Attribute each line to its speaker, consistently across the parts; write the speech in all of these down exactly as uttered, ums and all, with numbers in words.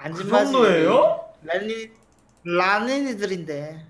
Speaker 1: 그 정도예요?
Speaker 2: 랄리 라니니들인데.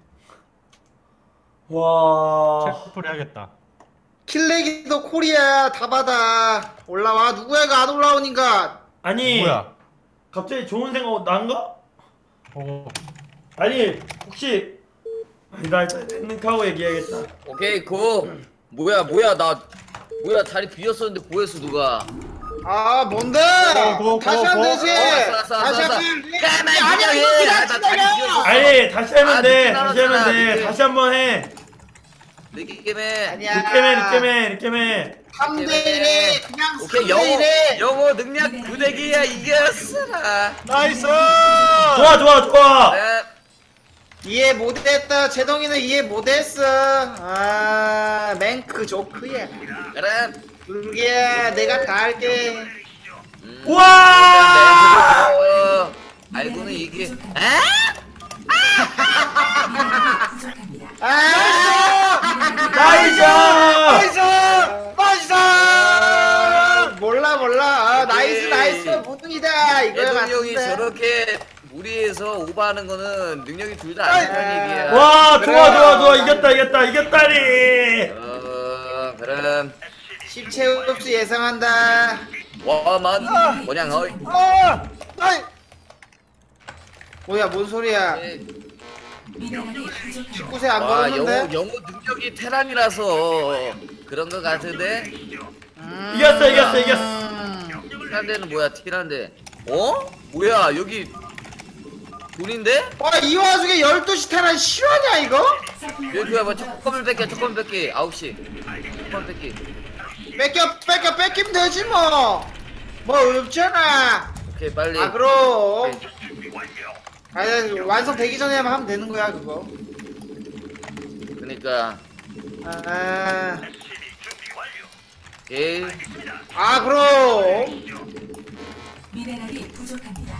Speaker 1: 와.
Speaker 3: 체크풀 해야겠다.
Speaker 2: 킬레기도 코리아 다 받아. 올라와. 누구야 이거 안 올라오니까.
Speaker 1: 아니
Speaker 3: 뭐야?
Speaker 1: 갑자기 좋은 생각 난가?
Speaker 3: 어.
Speaker 1: 아니 혹시 아니, 나 일단 랭크하고 얘기해야겠다.
Speaker 4: 오케이 고. 뭐야 뭐야 나 뭐야 자리 비었었는데 고했어 누가.
Speaker 2: 아 뭔데?
Speaker 3: 고, 고,
Speaker 2: 다시
Speaker 3: 고,
Speaker 2: 하면
Speaker 3: 고.
Speaker 2: 되지.
Speaker 4: 어, 왔어, 왔어,
Speaker 2: 다시
Speaker 4: 왔어,
Speaker 2: 하면
Speaker 4: 왔어. 가만히
Speaker 2: 아니
Speaker 4: 그냥
Speaker 2: 이거
Speaker 4: 해.
Speaker 2: 그냥
Speaker 4: 나 자리
Speaker 2: 진짜야.
Speaker 4: 비었어.
Speaker 1: 아니 다시 하면
Speaker 4: 아,
Speaker 1: 돼.
Speaker 4: 늦게
Speaker 1: 다시 하면
Speaker 4: 나왔잖아,
Speaker 1: 돼.
Speaker 4: 늦게.
Speaker 1: 다시 한번 해.
Speaker 4: 느끼게.
Speaker 2: 아니야.
Speaker 1: 늦게매 늦게매 늦게매.
Speaker 2: 삼 대 일에 그냥
Speaker 4: 오케이
Speaker 2: 삼 대
Speaker 4: 영어
Speaker 2: 일에.
Speaker 4: 영어 능력 구대기야 이겼어라.
Speaker 3: 나이스!
Speaker 1: 좋아 좋아 좋아.
Speaker 4: 그래.
Speaker 2: 이해 못했다. 제동이는 이해 못했어. 아 맹크 조크야.
Speaker 4: 그래.
Speaker 2: 그게 내가 다 할게.
Speaker 4: 음.
Speaker 1: 와.
Speaker 4: 어, 알고는 이게. 아?
Speaker 2: 아
Speaker 1: 나이스.
Speaker 2: 나이스 나이스. 몰라 몰라. 아, 나이스 나이스 무등이다 이거야
Speaker 4: 대통령이
Speaker 2: 맞는데.
Speaker 4: 저렇게 무리해서 오버하는 거는 능력이 둘 다 안 좋다는 얘기야.
Speaker 1: 와
Speaker 2: 그래.
Speaker 1: 좋아 좋아 좋아 이겼다 이겼다 이겼다니.
Speaker 4: 어, 그럼
Speaker 2: 십체흡수 예상한다.
Speaker 4: 와만 뭐냐 어이.
Speaker 2: 아 아이 뭐야 뭔 소리야. 십구 세 안
Speaker 4: 와 영어
Speaker 2: 걸었는데.
Speaker 4: 영어 능력이 테란이라서 그런 거 같은데.
Speaker 2: 음.
Speaker 1: 이겼어 이겼어 이겼어.
Speaker 4: 티란데는 뭐야 티란데? 어? 뭐야 여기 돈인데?
Speaker 2: 와이 와중에 열두 시 테란 실화냐 이거?
Speaker 4: 여기 봐 조금을 뺏겨 조금 뺏기 아홉 시 조금 뺏기.
Speaker 2: 뺏겨 뺏겨 뺏기면 되지 뭐. 뭐 없잖아.
Speaker 4: 오케이 빨리.
Speaker 2: 아 그럼.
Speaker 4: 오케이.
Speaker 2: 아니 완성 되기 전에 하면 되는 거야 그거.
Speaker 4: 그러니까
Speaker 2: 아,
Speaker 4: 오케이.
Speaker 2: 아 그럼.
Speaker 5: 미네랄이 부족합니다.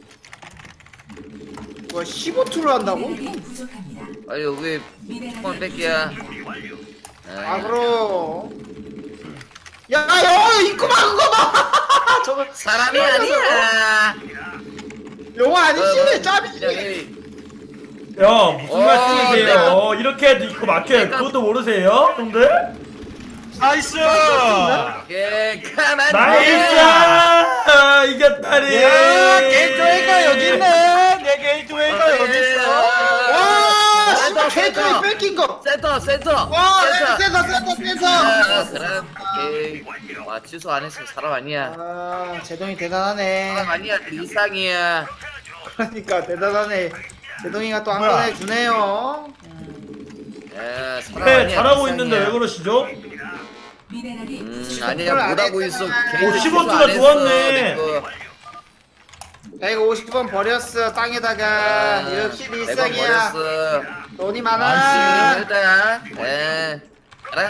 Speaker 2: 뭐 십오 투를 한다고?
Speaker 5: 미네랄이 부족합니다.
Speaker 4: 빨리 여기 조금 뺏기야.
Speaker 2: 아 그럼. 야, 야, 입구만 그거 봐. 저거
Speaker 4: 사람이 아니야.
Speaker 2: 영어 아니지?
Speaker 4: 그냥
Speaker 2: 짭이지.
Speaker 4: 해.
Speaker 1: 야 무슨
Speaker 4: 어,
Speaker 1: 말씀이세요?
Speaker 4: 내가-
Speaker 1: 이렇게 해도 이거 막혀요.
Speaker 4: 내가-
Speaker 1: 그것도 모르세요, 형들?
Speaker 3: 나이스!
Speaker 4: 오케이 가만.
Speaker 1: 나이스! 아, 이겼다니.
Speaker 3: 야, 게이트웨이가 여기 있네! 내 게이트웨이가 여기 있어!
Speaker 2: 와,
Speaker 4: 센터,
Speaker 2: 씨발 캐릭터에
Speaker 4: 센터.
Speaker 2: 뺏긴 거.
Speaker 4: 센터 센터.
Speaker 2: 와,
Speaker 4: 센터.
Speaker 2: 센터, 센터, 센터.
Speaker 4: 아, 그럼 오케이. 와 취소 안 했어 사람 아니야.
Speaker 2: 아, 제동이
Speaker 4: 사람
Speaker 2: 대단하네.
Speaker 4: 아니야 일상이야.
Speaker 2: 그러니까 대단하네. 제동이가 또 한
Speaker 3: 뭐야?
Speaker 2: 번 해주네요.
Speaker 4: 야 사람
Speaker 1: 네,
Speaker 4: 아니야.
Speaker 1: 잘하고
Speaker 4: 일상이야.
Speaker 1: 있는데 왜 그러시죠?
Speaker 5: 미네랄이
Speaker 4: 음
Speaker 5: 부족합니다.
Speaker 4: 아니야 못하고 있어. 개인
Speaker 1: 십오
Speaker 4: 취소
Speaker 1: 투가
Speaker 4: 안 했어,
Speaker 1: 좋았네.
Speaker 4: 내 거.
Speaker 2: 야, 이거 오십 번 버렸어. 땅에다가.
Speaker 4: 아,
Speaker 2: 역시
Speaker 4: 매번
Speaker 2: 일상이야.
Speaker 4: 버렸어.
Speaker 2: 돈이
Speaker 4: 아,
Speaker 2: 많아.
Speaker 4: 일단 에 알아?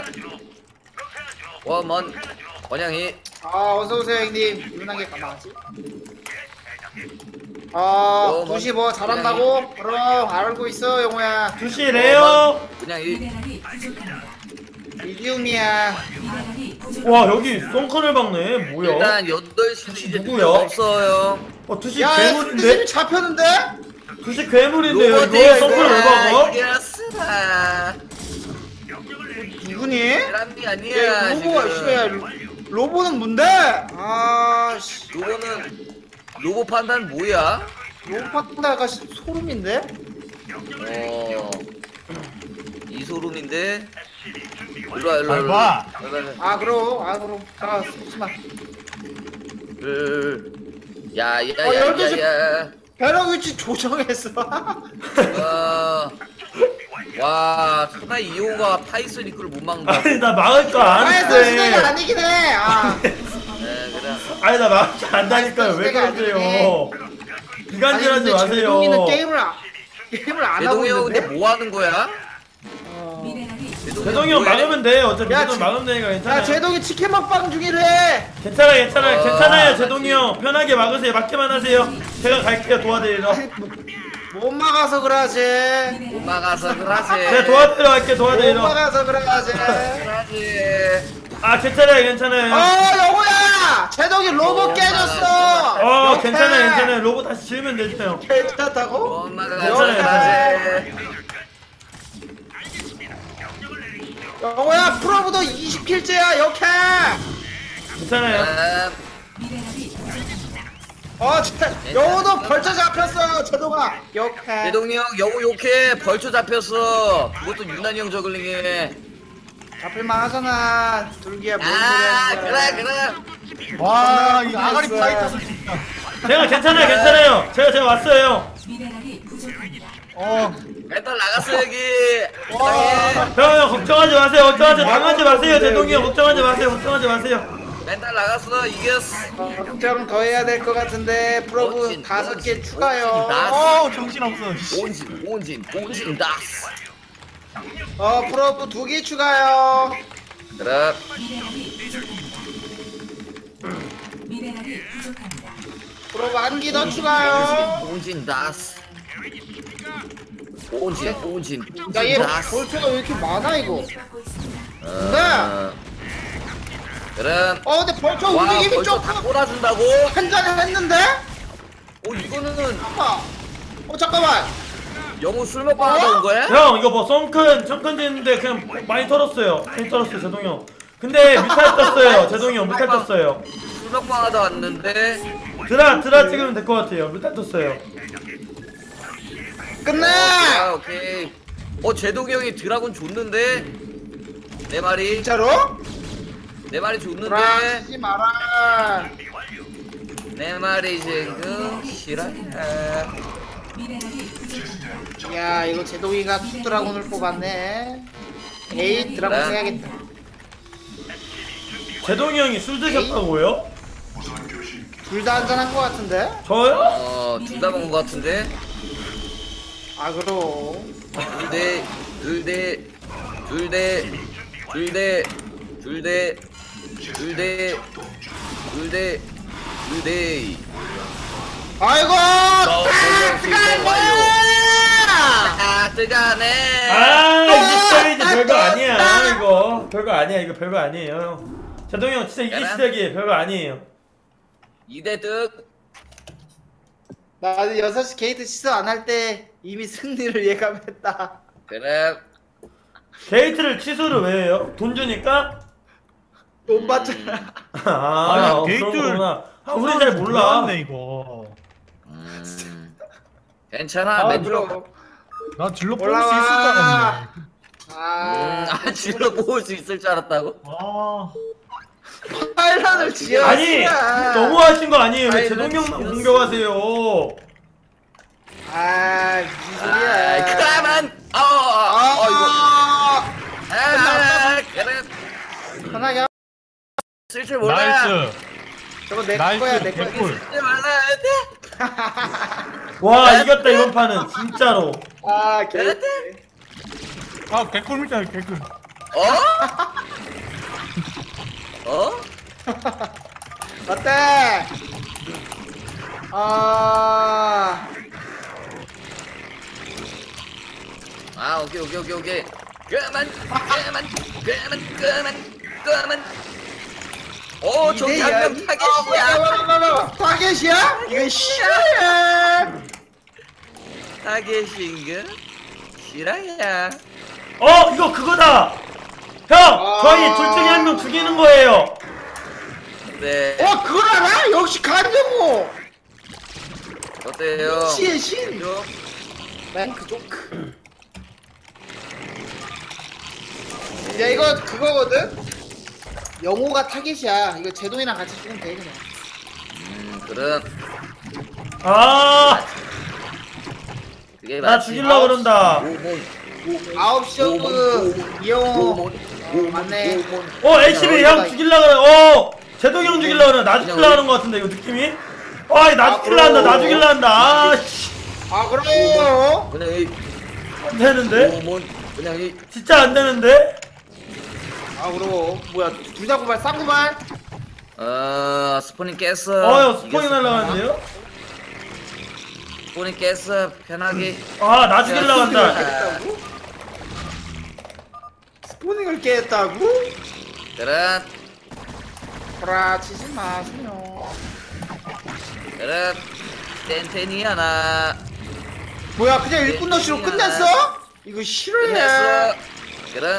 Speaker 4: 와먼 원양이
Speaker 2: 아, 어서오세요, 형님. 유난하게 가만하지? 아,
Speaker 4: 어,
Speaker 2: 구십오 잘한다고? 그럼 알고 있어, 영호야.
Speaker 1: 두시래요.
Speaker 4: 그냥 이
Speaker 5: 미네랄이 부족합니다.
Speaker 2: 미디움이야.
Speaker 5: 미네랄이 부족합니다.
Speaker 1: 와 여기 썬크를 박네. 뭐야?
Speaker 4: 일단 여덟 시도 이제
Speaker 1: 누구야?
Speaker 4: 없어요.
Speaker 1: 어 두시
Speaker 2: 야, 야,
Speaker 1: 괴물인데?
Speaker 2: 스님이 잡혔는데?
Speaker 1: 두시 괴물인데요.
Speaker 4: 로봇에
Speaker 1: 이거 썬크를 왜 박아?
Speaker 4: 이겼으나
Speaker 2: 누구니?
Speaker 4: 사람이
Speaker 2: 야,
Speaker 4: 아니야
Speaker 2: 로보가,
Speaker 4: 지금.
Speaker 2: 씨발. 로보는 뭔데? 아, 씨.
Speaker 4: 로봇은 로봇 판단 뭐야?
Speaker 2: 로보 판다가 소름인데?
Speaker 4: 어 이소름인데 일로와 일로와
Speaker 3: 잘 봐.
Speaker 2: 아, 그럼, 아, 그럼. 자, 쓰지마. 어, 열두 시-
Speaker 4: 야야야야야
Speaker 2: 벼락 위치 조정했어.
Speaker 4: 와, 와, 천하 이호가 파이썬 이끌을 못 막는다.
Speaker 1: 아니 나 막을 거
Speaker 2: 아예 시대가
Speaker 1: 아는데.
Speaker 2: 아니긴 해. 아.
Speaker 4: 네, 그래.
Speaker 1: 아니 나 막을 줄 안다니까요. 왜 그러세요? 비간질하지 마세요.
Speaker 2: 제동이는 게임을 안, 게임을 안 하고
Speaker 4: 대동이 형 근데
Speaker 2: 있는데.
Speaker 4: 뭐 하는 거야?
Speaker 2: 어.
Speaker 5: 미네랄이
Speaker 1: 제동이 형 막으면 돼. 어차피
Speaker 2: 야,
Speaker 1: 제동
Speaker 2: 지-
Speaker 1: 막으면 되니까 괜찮아요.
Speaker 2: 야, 제동이 치킨 먹방 중이래.
Speaker 1: 괜찮아 괜찮아요.
Speaker 4: 어,
Speaker 1: 괜찮아요 제동이
Speaker 4: 맞지.
Speaker 1: 형. 편하게 막으세요. 막기만 하세요. 제가 갈게요 도와드리러.
Speaker 2: 못 막아서 그러지.
Speaker 4: 못 막아서 그러지.
Speaker 1: 제가 도와드리러 갈게
Speaker 2: 못
Speaker 1: 도와드리러.
Speaker 2: 막아서 그러지.
Speaker 4: 그러지.
Speaker 1: 아 괜찮아요 괜찮아요.
Speaker 2: 어, 영호야. 제동이 로봇
Speaker 4: 어,
Speaker 2: 깨졌어.
Speaker 1: 어
Speaker 2: 옆에.
Speaker 1: 괜찮아요 괜찮아요. 로봇 다시 지으면 되죠.
Speaker 2: 괜찮다고?
Speaker 4: 엄마가
Speaker 1: 괜찮아요,
Speaker 4: 가지.
Speaker 2: 영호야 프로브도 이십 킬째야 역해.
Speaker 1: 괜찮아요.
Speaker 4: 아,
Speaker 5: 미네랄이 부족합니다.
Speaker 2: 어 진짜 영호도 벌써 잡혔어 제동아 역해.
Speaker 4: 대동이 형 영호 욕해. 벌초 잡혔어. 그것도 유난히 형 저글링에.
Speaker 2: 잡힐만 하잖아. 둘기야 뭔 소리
Speaker 4: 아
Speaker 2: 하는 거야.
Speaker 4: 그래 그래.
Speaker 3: 와, 이 아가리 파이터들 진짜.
Speaker 1: 제가 괜찮아요 괜찮아요. 제가 제가 왔어요.
Speaker 5: 미네랄이 부족합니다.
Speaker 3: 어,
Speaker 4: 멘탈 나갔어 여기.
Speaker 1: 형, 형 걱정하지 마세요. 걱정하지 당하지 마세요. 제동이 형 걱정하지 마세요. 걱정하지 마세요.
Speaker 4: 멘탈 나갔어 이겼어.
Speaker 2: 걱정 더 해야 될 것 같은데 프로브
Speaker 4: 멋진,
Speaker 2: 다섯 개
Speaker 4: 멋진,
Speaker 2: 추가요.
Speaker 4: 멋진 나.
Speaker 3: 어, 정신없어.
Speaker 4: 온진 온진 온진 다스.
Speaker 2: 어 프로브 두 개 추가요.
Speaker 4: 그래.
Speaker 5: 미네랄이 부족합니다. 미네랄이 부족합니다.
Speaker 2: 프로브 한 개 더 추가요.
Speaker 4: 온진 다스. 온진 온진
Speaker 2: 야얘
Speaker 4: 온진 다스.
Speaker 2: 볼트가 왜 이렇게 많아 이거.
Speaker 5: 받고 있습니다.
Speaker 4: 어, 그래.
Speaker 2: 어 근데 벌써
Speaker 4: 와
Speaker 2: 움직임이
Speaker 4: 벌써
Speaker 2: 조금
Speaker 4: 다 꼬라준다고?
Speaker 2: 한잔 했는데?
Speaker 4: 어 이거는
Speaker 2: 잠깐만. 어 잠깐만.
Speaker 4: 영우 술 먹고 하다 온 거야?
Speaker 1: 형 이거 뭐 썬큰 썬큰 됐는데 그냥 많이 털었어요. 많이 털었어요 제동이 형. 근데 뮤탈 떴어요. 제동이 형 뮤탈 떴어요.
Speaker 4: 술 먹고 하다 왔는데.
Speaker 1: 드라 드라 찍으면 될 것 같아요. 뮤탈 떴어요.
Speaker 2: 끝내.
Speaker 4: 아 오케이. 어 제동이 형이 드라곤 줬는데 내 말이
Speaker 2: 진짜로?
Speaker 4: 내 말이 줬는데
Speaker 2: 돌아치지 마라.
Speaker 4: 내 말이 지금 싫어.
Speaker 5: 미네랄이 부족합니다.
Speaker 2: 야 이거 제동이가 투드라곤을 뽑았네. 에이 드라곤 해야겠다.
Speaker 1: 제동이 형이 술 드셨다고요?
Speaker 2: 둘 다 한잔한 것 같은데?
Speaker 1: 저요?
Speaker 4: 어둘 다 먹은 거 같은데.
Speaker 2: 아 그럼.
Speaker 4: 둘대 둘대 둘대 둘대 둘대 둘대 둘대 둘대.
Speaker 2: 아이고
Speaker 4: 어,
Speaker 2: 딱
Speaker 4: 완료.
Speaker 2: 뜨거워.
Speaker 4: 아 뜨가네.
Speaker 1: 아 이게 시작이지 별거 아니야 이거. 별거 아니야 이거 별거 아니에요 형. 제동이 형 진짜 이게
Speaker 4: 그래?
Speaker 1: 시작이에요. 별거 아니에요.
Speaker 4: 이대 득.
Speaker 2: 나는 여섯 시 게이트 취소 안 할 때 이미 승리를 예감했다.
Speaker 4: 그래.
Speaker 1: 게이트를 취소를 왜 해요? 돈 주니까?
Speaker 2: 돈 받잖아.
Speaker 1: 아,
Speaker 3: 아니,
Speaker 1: 어,
Speaker 3: 게이트를
Speaker 1: 그런 거구나. 아, 우린 잘 몰라.
Speaker 3: 몰랐네, 이거.
Speaker 4: 음. 괜찮아.
Speaker 3: 아,
Speaker 4: 맨들어.
Speaker 2: 그럼.
Speaker 3: 나 질러 뽑을 수
Speaker 2: 올라와.
Speaker 3: 있을 줄 알았네.
Speaker 2: 아,
Speaker 4: 아 질러 모을 수 있을 줄 알았다고?
Speaker 3: 아,
Speaker 2: 파일런을 지어.
Speaker 1: 아니, 너무하신 거 아니에요? 왜
Speaker 2: 아니,
Speaker 1: 제동이 형만
Speaker 4: 지었어.
Speaker 1: 공격하세요?
Speaker 2: 아, 무슨
Speaker 4: 아,
Speaker 2: 소리야.
Speaker 4: 그만. 어,
Speaker 2: 아,
Speaker 4: 어, 이거.
Speaker 2: 아,
Speaker 4: 아, 그래.
Speaker 2: 편하게 하-
Speaker 4: 쓸 줄 몰라.
Speaker 3: 나이스.
Speaker 2: 저거 내
Speaker 3: 나이스,
Speaker 2: 거야, 내 거야.
Speaker 3: 개꿀.
Speaker 4: 쓸줄 몰라.
Speaker 1: 와, 이겼다, 이번 판은. 진짜로.
Speaker 2: 아, 개.
Speaker 3: 아, 개꿀입니다, 개꿀.
Speaker 4: 어? 어?
Speaker 2: 어때? 아,
Speaker 4: 아, 오케이, 오케이, 오케이, 오케이. 그만, 그만, 그만, 그만, 그만. 오, 저기 한명 타겟이야.
Speaker 2: 타겟이야? 이거 싫어야.
Speaker 4: 타겟인가? 실화야.
Speaker 1: 어, 이거 그거다! 형! 저희 둘 중에 한 명 죽이는 거예요!
Speaker 4: 네.
Speaker 2: 어, 그걸 알아? 역시 간정호.
Speaker 4: 어때요?
Speaker 2: 시의 신.
Speaker 4: 요?
Speaker 2: 랭크 조크. 야, 이거 그거거든? 영호가 타겟이야. 이거 제동이랑 같이 죽으면 돼, 그냥.
Speaker 4: 음, 그럼
Speaker 1: 아,
Speaker 4: 그게
Speaker 1: 나
Speaker 4: 맞지.
Speaker 1: 죽이려고 그런다.
Speaker 4: 오몬,
Speaker 2: 아홉 시 오브 이영호.
Speaker 4: 오몬,
Speaker 2: 어, 맞네.
Speaker 4: 오몬.
Speaker 1: 어, 엘씨비 형 죽이려고 그래. 어, 제동이 형 죽이려고 그래. 나 죽이려고 하는 거 같은데, 이거 느낌이? 아, 나
Speaker 2: 아,
Speaker 1: 죽이려고 한다, 나
Speaker 2: 그럼.
Speaker 1: 죽이려고 한다. 아, 씨.
Speaker 2: 아, 그럼.
Speaker 4: 그냥 이
Speaker 1: 안 되는데?
Speaker 4: 오몬, 그냥 이
Speaker 1: 진짜 안 되는데?
Speaker 2: 아, 그럼. 뭐야, 둘 다 고발, 쌍고발?
Speaker 4: 어, 스포닝 깼어.
Speaker 1: 어, 형 스포잉
Speaker 4: 이겼어.
Speaker 1: 날라가는데요?
Speaker 4: 스포닝 깼어. 편하게.
Speaker 1: 아, 나 죽이려고 한다.
Speaker 2: 깼다고? 스포닝을 깼다고?
Speaker 4: 그래.
Speaker 2: 구라치지 마세요.
Speaker 4: 그럼 땡땡이 하나
Speaker 2: 뭐야 그냥 일꾼 러시로
Speaker 4: 땡땡이
Speaker 2: 끝났어?
Speaker 4: 하나.
Speaker 2: 이거 싫어해.
Speaker 4: 끝났어. 그럼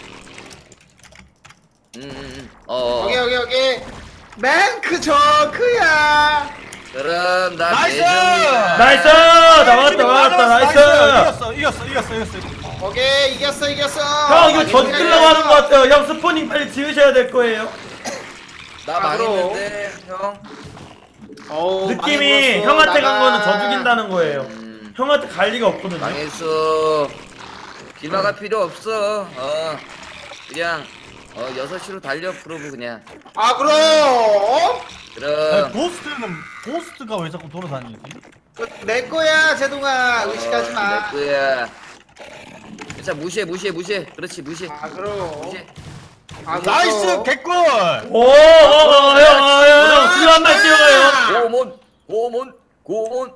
Speaker 4: 음어
Speaker 2: 여기 여기 여기 맹크 저크야.
Speaker 4: 그럼 나
Speaker 3: 나이스!
Speaker 4: 대정이야.
Speaker 1: 나이스! 나왔다 나왔다 나이스!
Speaker 3: 이겼어 이겼어 이겼어 이겼어
Speaker 2: 오케이 이겼어 이겼어.
Speaker 1: 형 이거 져주려고 하는 것 같아요. 형 스포닝 빨리 지으셔야 될 거예요.
Speaker 4: 나
Speaker 2: 아, 그럼.
Speaker 4: 망했는데 형.
Speaker 2: 어우,
Speaker 1: 느낌이
Speaker 2: 많이 물었어,
Speaker 1: 형한테 간 거는
Speaker 2: 나가.
Speaker 1: 저 죽인다는 거예요.
Speaker 4: 음,
Speaker 1: 형한테 갈 리가 없거든요.
Speaker 4: 망했어. 기마가 필요 없어. 어 그냥 어 여섯 시로 달려 프로브 그냥.
Speaker 2: 아 그럼 어?
Speaker 4: 그럼
Speaker 3: 고스트는 고스트가 왜 자꾸 돌아다니지?
Speaker 2: 내 거야 제동아 의식하지 마.
Speaker 4: 내 거야. 자 무시해 무시해 무시해. 그렇지 무시해.
Speaker 2: 아 그럼.
Speaker 4: 무시해.
Speaker 2: 아,
Speaker 3: 나이스
Speaker 2: 그럼.
Speaker 3: 개꿀.
Speaker 1: 오, 어, 어, 형, 어, 형, 형, 딜 한발 뛰어가요.
Speaker 4: 고몬 고몬 고몬.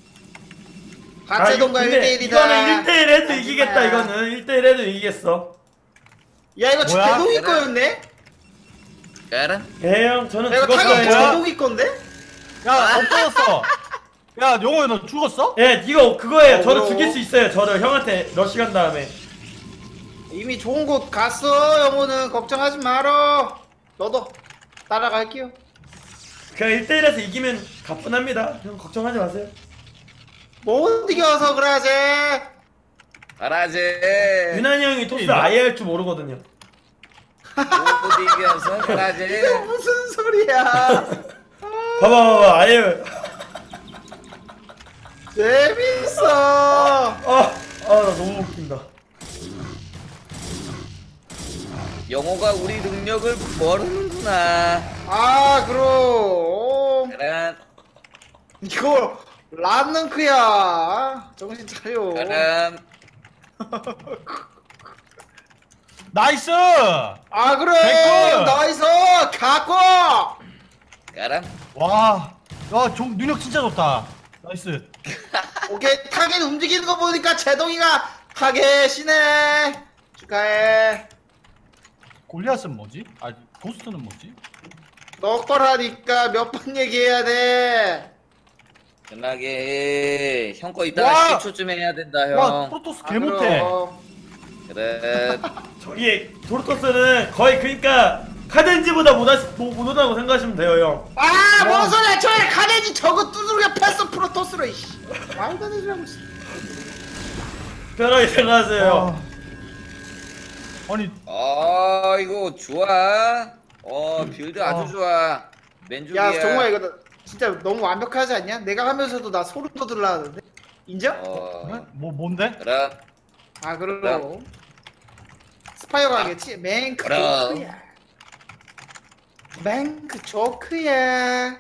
Speaker 2: 박재동과 일 대 일이다.
Speaker 1: 이거는 일 대 일 해도 이기겠다, 이거는. 일 대 일 해도 이기겠어.
Speaker 2: 야 이거
Speaker 3: 뭐야?
Speaker 2: 제동이 거였네?
Speaker 4: 알아?
Speaker 1: 예, 형, 저는
Speaker 2: 야 이거 타겟
Speaker 1: 죽었어요.
Speaker 3: 뭐야?
Speaker 2: 제동이 건데?
Speaker 3: 야 없어졌어. 야 용호야 너 죽었어?
Speaker 1: 예, 이거 그거예요.
Speaker 2: 어,
Speaker 1: 저를
Speaker 2: 그럼.
Speaker 1: 죽일 수 있어요. 저를 형한테 러시 간 다음에.
Speaker 2: 이미 좋은 곳 갔어 영호는 걱정하지 말어. 너도 따라갈게요.
Speaker 1: 그냥 일 대 일에서 이기면 가뿐합니다. 형 걱정하지 마세요.
Speaker 2: 못 이겨서 그래야지.
Speaker 4: 알아지.
Speaker 1: 유난히 형이 토스
Speaker 3: 이리와.
Speaker 1: 아예 할 줄 모르거든요.
Speaker 4: 못 이겨서 그러지.
Speaker 2: 이게 무슨 소리야?
Speaker 1: 봐봐, 봐봐, 아예.
Speaker 2: 재밌어.
Speaker 1: 아, 아, 나 너무 웃긴다.
Speaker 4: 영호가 우리 능력을 모르는구나.
Speaker 2: 아 그럼
Speaker 4: 그래.
Speaker 2: 이거 란능크야. 정신 차려.
Speaker 4: 그럼
Speaker 3: 나이스.
Speaker 2: 아 그래
Speaker 3: 개꿀!
Speaker 2: 나이스 갖고.
Speaker 4: 그럼
Speaker 3: 와. 야, 종 능력 진짜 좋다. 나이스.
Speaker 2: 오케이 타겟 움직이는 거 보니까 제동이가 타겟이네. 축하해.
Speaker 3: 골리앗은 뭐지? 아, 고스트는 뭐지?
Speaker 2: 너 거라니까 몇 번 얘기해야 돼.
Speaker 4: 연락해. 형 거
Speaker 2: 와!
Speaker 4: 이따가 십 초쯤 해야 된다
Speaker 3: 와,
Speaker 4: 형.
Speaker 3: 프로토스
Speaker 2: 아,
Speaker 3: 개 못해.
Speaker 2: 그럼.
Speaker 4: 그래.
Speaker 1: 저기, 도르토스는 거의 그니까, 카덴지보다 못하, 못, 못하다고 생각하시면 돼요, 형.
Speaker 2: 아, 뭔 소리야? 저에 카네지 저거 두드려 패스 프로토스로 이씨. 말도 안 되지라고. 씨.
Speaker 1: 편하게 생각하세요.
Speaker 3: 와. 아니,
Speaker 4: 어 이거 좋아. 어 빌드 아주
Speaker 3: 어.
Speaker 4: 좋아. 맨주기야.
Speaker 2: 야, 정말 이거 나- 진짜 너무 완벽하지 않냐? 내가 하면서도 나 소름 돋으려 하는데. 인정?
Speaker 4: 어.
Speaker 3: 어? 뭐 뭔데?
Speaker 4: 그럼
Speaker 2: 아, 그럼.
Speaker 4: 그럼.
Speaker 2: 스파이어가 하겠지? 맹크
Speaker 4: 그럼.
Speaker 2: 조크야. 맹크 조크야.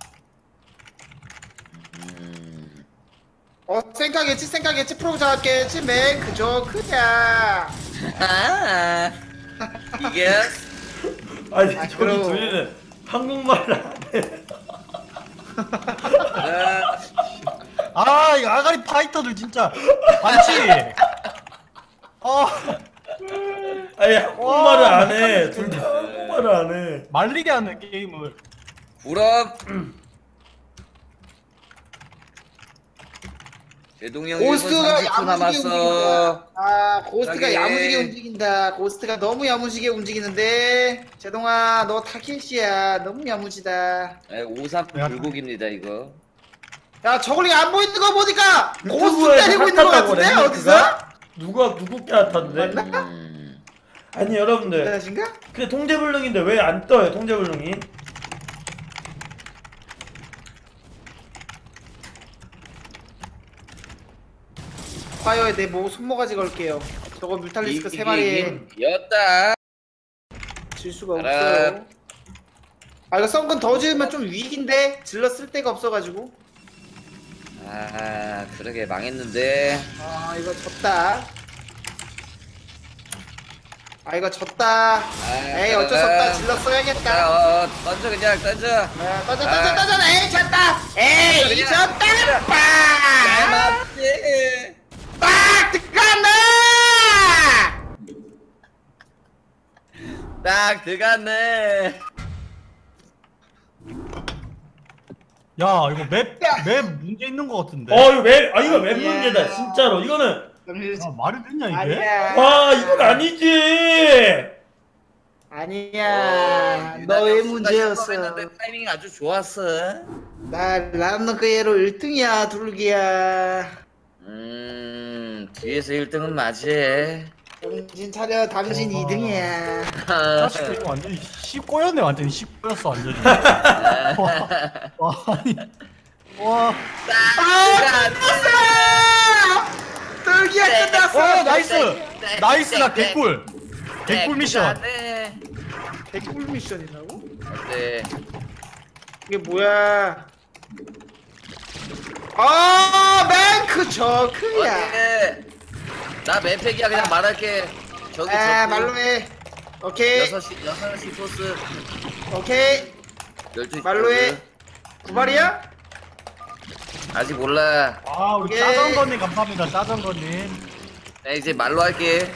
Speaker 4: 음.
Speaker 2: 어, 생각했지? 생각했지? 프로 잡았겠지? 맹크 조크야.
Speaker 4: 아, 이게
Speaker 1: 아니,
Speaker 2: 아,
Speaker 1: 저기
Speaker 2: 그럼.
Speaker 1: 둘이는 한국말을 안 해.
Speaker 4: 그래.
Speaker 3: 아, 이 아가리 파이터들 진짜 많지. 어,
Speaker 1: 아니, 한국말을 안 해. 둘 다 한국말을 안 해.
Speaker 3: 말리게 하는 게임을.
Speaker 4: 그럼 제동이 형
Speaker 2: 고스트가
Speaker 4: 일 분 삼십 초
Speaker 2: 야무지게
Speaker 4: 남았어.
Speaker 2: 움직인다. 아, 고스트가
Speaker 4: 저기.
Speaker 2: 야무지게 움직인다. 고스트가 너무 야무지게 움직이는데. 제동아, 너 타켓이야. 너무 야무지다.
Speaker 4: 에, 오삼
Speaker 3: 야.
Speaker 4: 불고기입니다 이거.
Speaker 2: 야, 저걸리 안 보이는 거 보니까 고스트
Speaker 1: 유튜브에서
Speaker 2: 때리고 있는 거
Speaker 1: 핫하다고
Speaker 2: 같은데?
Speaker 1: 랭크가?
Speaker 2: 어디서?
Speaker 1: 누가 누구 깨앗았는데?
Speaker 2: 맞나?
Speaker 4: 음.
Speaker 1: 아니 여러분들
Speaker 2: 대단하신가?
Speaker 1: 근데 통제불능인데 왜 안 떠요 통제불능이?
Speaker 2: 파이어에 내 뭐 손모가지 걸게요. 저거 뮤탈리스크 세 마리에
Speaker 4: 였다.
Speaker 2: 질 수가
Speaker 4: 알아.
Speaker 2: 없어요. 아, 이거 썬건 더 지으면 좀 위기인데? 질러 쓸 데가 없어가지고.
Speaker 4: 아 그러게 망했는데.
Speaker 2: 아, 이거 졌다. 아, 이거 졌다. 에이, 어쩔 수 없다. 질러 써야겠다.
Speaker 4: 자, 어, 던져 그냥 던져.
Speaker 2: 야, 떠져, 떠져, 떠져. 에이, 졌다. 에이,
Speaker 4: 그냥,
Speaker 2: 졌다.
Speaker 4: 잘
Speaker 2: 빡!
Speaker 4: 맞지.
Speaker 2: 빡! 들어간다!
Speaker 4: 딱 들어갔네.
Speaker 3: 야 이거 맵 맵 문제 있는 거 같은데.
Speaker 1: 어 이거 맵, 아 이거 맵
Speaker 2: 아니야.
Speaker 1: 문제다 진짜로. 이거는
Speaker 2: 정신
Speaker 3: 야, 말이 되냐 이게?
Speaker 2: 아니야.
Speaker 1: 와 이건 아니지.
Speaker 2: 아니야.
Speaker 4: 어,
Speaker 2: 너의
Speaker 4: 유난히
Speaker 2: 문제였어.
Speaker 4: 했는데 타이밍이 아주 좋았어.
Speaker 2: 나 람너그예로 일 등이야 둘기야.
Speaker 4: 음 뒤에서 일 등은 맞지.
Speaker 2: 정신 차려. 당신
Speaker 3: 어.
Speaker 2: 이 등이야.
Speaker 3: 자식 이거 완전히 씨 꼬였네. 완전히 씨 꼬였어 완전히. 와, 와 아니 와.
Speaker 2: 아 끝났어. 둘기야 끝났어.
Speaker 3: 어 나이스 나이스 나 개꿀 개꿀 미션.
Speaker 4: 네.
Speaker 2: 개꿀 미션이라고?
Speaker 4: 네.
Speaker 2: 이게 뭐야? 아 맹크 저크야.
Speaker 4: 어때? 나 맵팩이야 그냥 말할게. 저기
Speaker 2: 아
Speaker 4: 저
Speaker 2: 말로 해. 오케이
Speaker 4: 여섯 시 여섯 시 포스
Speaker 2: 오케이
Speaker 4: 열두 시
Speaker 2: 말로 해.
Speaker 4: 포스.
Speaker 2: 구발이야?
Speaker 4: 아직 몰라.
Speaker 3: 아 우리
Speaker 2: 오케이.
Speaker 3: 짜장거님 감사합니다. 짜장거님.
Speaker 4: 나 이제 말로 할게.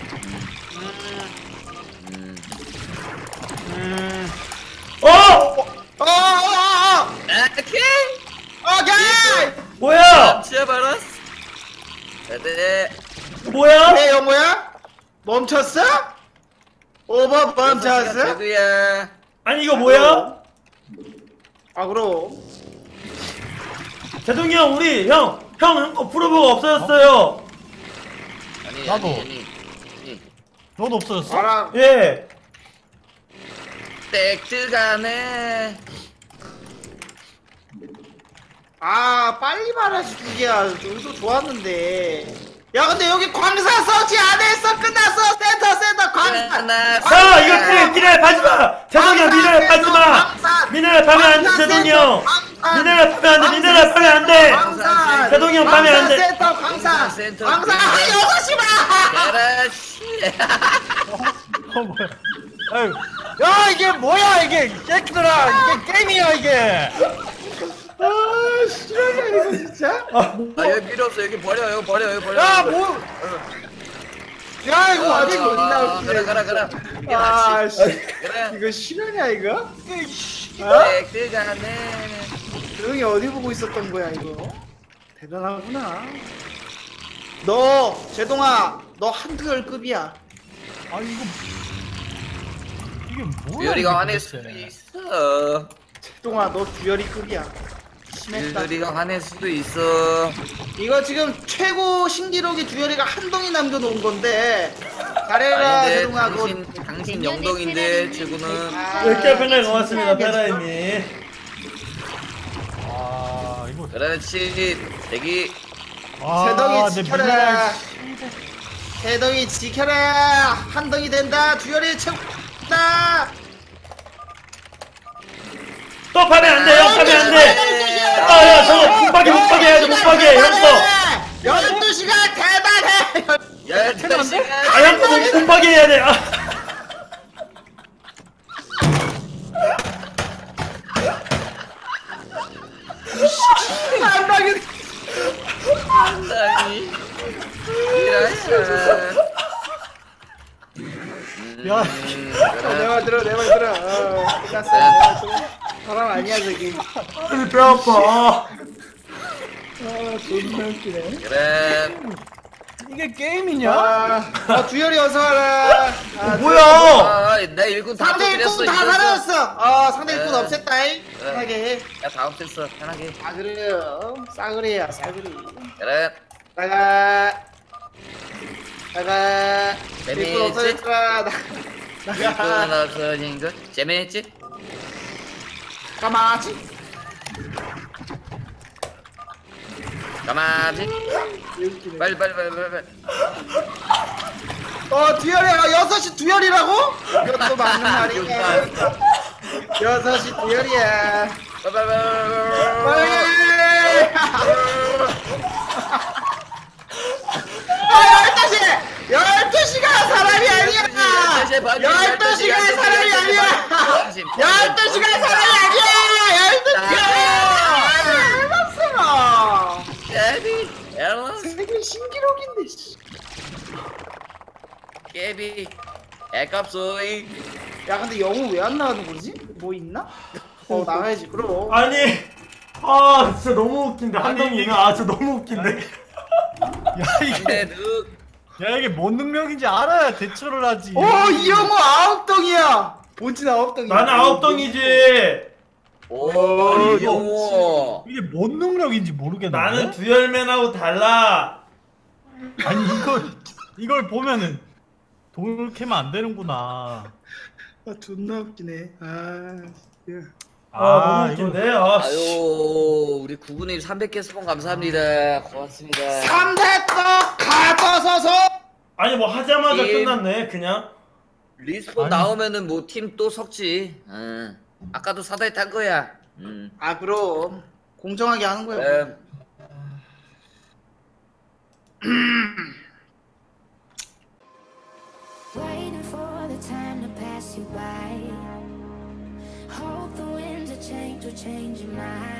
Speaker 4: 음.
Speaker 2: 음.
Speaker 1: 어
Speaker 2: 어어어어.
Speaker 4: 오케이.
Speaker 2: 오케이.
Speaker 1: 뭐야
Speaker 4: 진짜 말았어. 네.
Speaker 1: 뭐야?
Speaker 2: 내 영호야? 멈췄어? 오버 멈췄어?
Speaker 4: 배구야.
Speaker 1: 아니 이거 뭐야?
Speaker 2: 아 그럼.
Speaker 1: 제동이 형 우리 형형거 프로브가 없어졌어요.
Speaker 4: 아니
Speaker 3: 나도.
Speaker 4: 아니 아니. 아니.
Speaker 3: 너도 없어졌어?
Speaker 2: 알아.
Speaker 1: 예.
Speaker 4: 땡뜨가네.
Speaker 2: 아 빨리 말하지 두기야. 우리도 좋았는데. 야 근데 여기 광사 서치 안 했어. 끝났어. 센터 센터 광사.
Speaker 1: 자 이거 미네랄 미네랄 파지마. 제동이 형 미네랄 파지마. 미네랄 파면 안돼 제동이 형. 미네랄 파면 안돼 미네랄 파면 안돼.
Speaker 2: 광산
Speaker 1: 제동이 형 파면 안 돼.
Speaker 2: 센터 광산
Speaker 4: 센터
Speaker 2: 광산 아 여섯 시 봐.
Speaker 4: 야라씨.
Speaker 3: 어 뭐야? 아유, 야 이게 뭐야 이게 새끼들아 이게 게임이야 이게.
Speaker 2: 아 싫어냐 이거 진짜.
Speaker 1: 아,
Speaker 4: 아 여기 필요 없어. 여기 버려. 여기 버려. 여기 버려.
Speaker 2: 야 뭐. 야 이거 완전
Speaker 4: 아,
Speaker 2: 어디
Speaker 4: 아,
Speaker 2: 나올지.
Speaker 4: 가라 가라 가라.
Speaker 2: 아 씨.
Speaker 4: 그래.
Speaker 2: 이거 실화냐 이거? 어?
Speaker 4: 땡뜨가네.
Speaker 2: 조용히 어디 보고 있었던 거야 이거? 대단하구나. 너 제동아 너 한두열급이야.
Speaker 3: 아 이거 이게 뭐야?
Speaker 4: 듀얼이가
Speaker 3: 이게
Speaker 4: 화낼
Speaker 3: 도대체.
Speaker 4: 수도 있어.
Speaker 2: 제동아 너 듀얼이급이야. 심했다.
Speaker 4: 듀얼이가 화낼 수도 있어.
Speaker 2: 이거 지금 최고 신기록이 듀얼이가 한 덩이 남겨놓은 건데 잘해라
Speaker 4: 아닌데
Speaker 2: 제동아 그거.
Speaker 4: 당신 당신 영동인데 최고는.
Speaker 2: 아,
Speaker 1: 몇 개 편날 고맙습니다 페라이님.
Speaker 3: 아 이거.
Speaker 4: 그렇지. 대기.
Speaker 3: 아,
Speaker 2: 세덩이
Speaker 3: 내
Speaker 2: 지켜라.
Speaker 3: 미네랄
Speaker 2: 세덩이 지켜라. 한 덩이 된다. 듀얼이 최고다.
Speaker 1: 또 파면 안돼 형 파면 안돼. 아야 저거 못 파게 못 파게 해야지 못 파게 형 거.
Speaker 2: 열두 시간 대단해.
Speaker 4: 열두 시간.
Speaker 1: 아 형 거 못 파게 해야 돼. 아.
Speaker 2: 한 방에
Speaker 4: 상당히. 이라야.
Speaker 3: 야.
Speaker 2: 어, 내 말 들어 내 말 들어. 어, 끝났어. 내가 좀 사람 아니야 저기.
Speaker 1: 아니 배 아파.
Speaker 2: 아 존나 웃기네.
Speaker 4: 그래.
Speaker 3: 이게 게임이냐?
Speaker 2: 아, 아 듀얼이 어서 와라. 아,
Speaker 1: 뭐야?
Speaker 4: 아, 내 일군 다
Speaker 2: 상대
Speaker 4: 터뜨렸어.
Speaker 2: 일꾼 다
Speaker 4: 이겼어.
Speaker 2: 사라졌어. 아 상대 일꾼
Speaker 4: 네.
Speaker 2: 없앴다잉.
Speaker 4: 그래.
Speaker 2: 편하게 해.
Speaker 4: 야, 다 없앴어. 편하게.
Speaker 2: 아 그래요. 싸그리야 싸그리.
Speaker 4: 그래.
Speaker 2: 나가. 나가.
Speaker 4: 재미있지?
Speaker 2: 일꾼 없어졌다. 나-
Speaker 4: 일군
Speaker 2: 나가.
Speaker 4: 없어진 거 재미있지?
Speaker 2: 가마지.
Speaker 4: 가만히. 빨리 빨리 빨리 빨리 빨리.
Speaker 2: 어 듀얼이야. 여섯 시 듀얼이라고? 이것도 맞는 말이야. 여섯 시 듀얼이야.
Speaker 4: 빨리 빨리 빨리.
Speaker 2: 빨리. 아 열두 시. 열두 시가 사람이 아니야. 열두 시가 사람이 아니야. 열두 시가 사람이 아니야. 열두 시가. 알았어.
Speaker 4: 깨비 앨런스
Speaker 2: 세계 신기록인데. 씨.
Speaker 4: 깨비 애값소이.
Speaker 2: 야 근데 영웅 왜 안 나가는 거지? 뭐 있나? 어 나가야지 그럼.
Speaker 1: 아니 아 진짜 너무 웃긴데 한동이는 아 진짜 너무 웃긴데.
Speaker 3: 야 이게
Speaker 4: 근데 늑
Speaker 3: 야 이게 뭔 능력인지 알아야 대처를 하지.
Speaker 2: 오 이영호 아홉 덩이야. 본진 아홉 덩이.
Speaker 1: 나는 아홉 덩이지.
Speaker 4: 오,
Speaker 2: 어,
Speaker 4: 이거
Speaker 3: 이게 뭔 능력인지 모르겠네.
Speaker 1: 나는 두열맨하고 달라.
Speaker 3: 아니 이걸 이걸 보면은 돌 캐면 안 되는구나.
Speaker 2: 아 존나 웃기네. 아. 야.
Speaker 1: 아, 너무
Speaker 3: 이거-
Speaker 1: 웃긴데. 아, 씨.
Speaker 4: 아유 우리 구구님 삼백 개 수건 감사합니다. 고맙습니다.
Speaker 2: 삼대떡 가버서서.
Speaker 1: 아니 뭐 하자마자
Speaker 4: 임.
Speaker 1: 끝났네 그냥.
Speaker 4: 리스폰
Speaker 3: 아니.
Speaker 4: 나오면은 뭐 팀 또 섞지. 응. 아까도 사다리 탄 거야. 응.
Speaker 2: 아 그럼 공정하게 하는 거야.
Speaker 4: 음.
Speaker 6: Waiting for the time to pass you by. Hope the winds of change will change your mind.